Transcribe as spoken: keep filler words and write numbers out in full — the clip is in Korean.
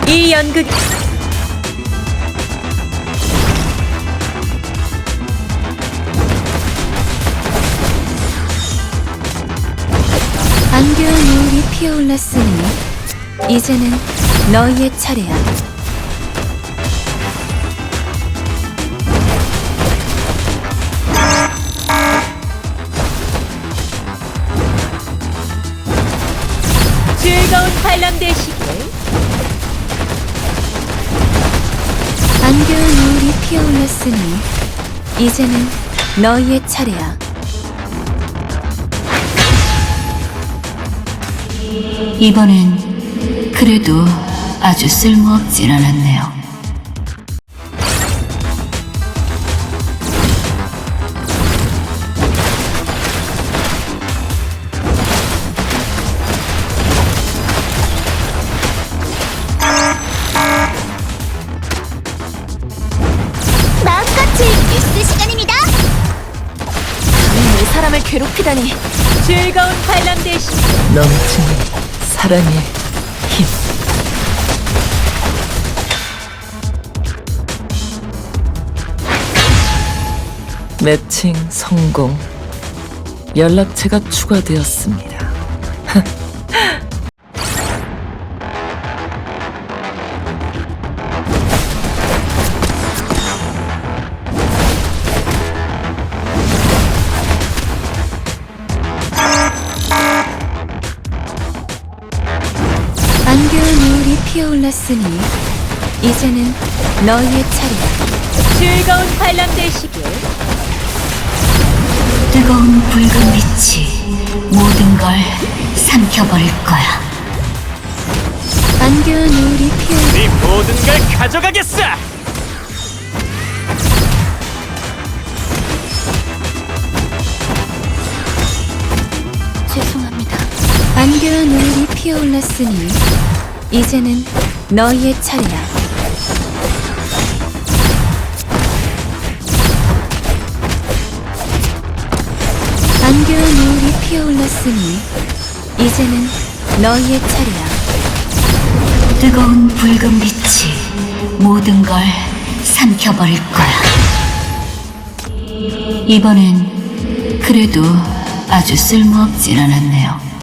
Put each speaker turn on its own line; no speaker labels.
이 연극
안개와 노을이 피어올랐으니 이제는 너희의 차례야.
즐거운 관람 되시길.
안개와 노을이 피어올랐으니 이제는 너희의 차례야.
이번엔 그래도 아주 쓸모없진 않았네요.
마음같이 뉴스 시간입니다.
감히 내 사람을 괴롭히다니. 즐거운 관람 되시길.
넘치는 사랑의 힘. 매칭 성공. 연락처가 추가되었습니다.
안개와 노을이 피어올랐으니 이제는 너희의 차례야.
즐거운 관람 되시길.
뜨거운 붉은 빛이 모든 걸 삼켜버릴 거야.
안개와 노을이 피어
네 모든 걸 가져가겠어!
죄송합니다. 안개와 노을이 피어올랐으니 이제는 너희의 차례야. 안개와 노을이 피어올랐으니 이제는 너희의 차례야.
뜨거운 붉은 빛이 모든 걸 삼켜버릴 거야. 이번엔 그래도 아주 쓸모없진 않았네요.